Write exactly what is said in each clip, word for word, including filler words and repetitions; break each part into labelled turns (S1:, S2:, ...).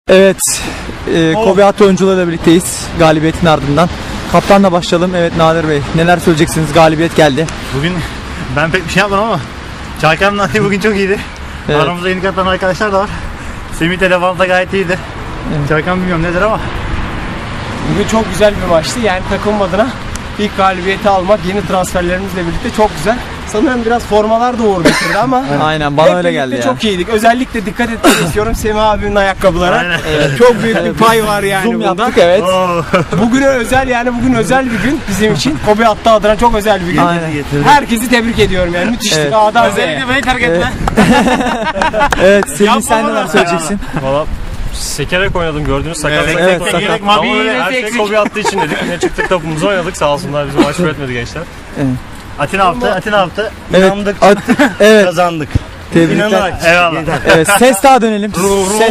S1: Evet, e, Kobe Hattı oyuncularıyla birlikteyiz galibiyetin ardından. Kaptanla başlayalım. Evet Nadir Bey, neler söyleyeceksiniz? Galibiyet geldi.
S2: Bugün ben pek bir şey yapmadım ama Çaykan'ın atı bugün çok iyiydi.
S1: Evet.
S2: Aramızda yeni katılan arkadaşlar da var. Semih Telefon'da gayet iyiydi.
S1: Evet.
S2: Çaykan bilmiyorum nedir ama.
S3: Bugün çok güzel bir maçtı. Yani takım adına ilk galibiyeti almak yeni transferlerimizle birlikte çok güzel. Sanırım biraz formalar da uğur getirdi ama
S1: Aynen, bana
S3: hep
S1: öyle
S3: birlikte
S1: geldi ya.
S3: çok iyiydik. Özellikle dikkat etmek istiyorum Semih abinin ayakkabılara.
S2: Aynen.
S3: Evet. Çok büyük bir pay var yani
S1: Zoom
S3: bunda.
S1: yaptık, evet.
S2: Oo.
S3: Bugüne özel yani bugün özel bir gün bizim için. Kobe Hattı adına çok özel bir gün.
S1: Aynen.
S3: Herkesi tebrik ediyorum yani. Müthiştik.
S1: Evet.
S3: A'dan Z'ye.
S2: beni terk etme.
S1: Evet, Semih sen neler söyleyeceksin?
S4: Valla sekerek oynadım, gördüğünüz sakat.
S2: Evet,
S1: evet,
S2: tek
S1: sakat.
S2: gerek
S4: Ama
S2: mavi
S4: öyle
S2: iğnesi
S4: her şey
S2: eksik.
S4: Kobe attığı için dedik. Yine çıktık topumuzu oynadık, sağ olsunlar bizi maç üretmedi gençler.
S2: Atin yaptı, Atin yaptı.
S1: Evet,
S2: İnandık,
S1: at- evet,
S2: kazandık.
S1: tebrikler.
S2: İnanarak. Eyvallah.
S1: Evet, ses daha dönelim. Ses,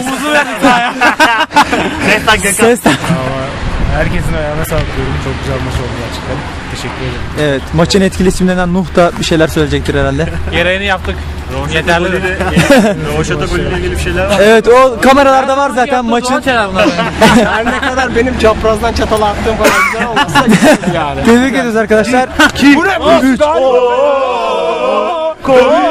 S2: Nestan Gökhan.
S1: ses daha.
S4: Herkesin ayağına sağlık diyorum. Çok güzel maç oldu gerçekten. Teşekkür ederim.
S1: Evet, maçın etkili isimlerinden Nuh da bir şeyler söyleyecektir herhalde.
S3: Gereğini yaptık.
S4: Yeterli mi? Roşata golüyle ilgili bir şeyler var.
S1: Evet, o kameralarda var zaten maçın.
S3: Her ne kadar benim çaprazdan çatala attığım kadar güzel olmazsa güzel yani.
S1: Tebrik ediyoruz arkadaşlar.
S3: Bu ne?
S1: üç.
S3: Kobe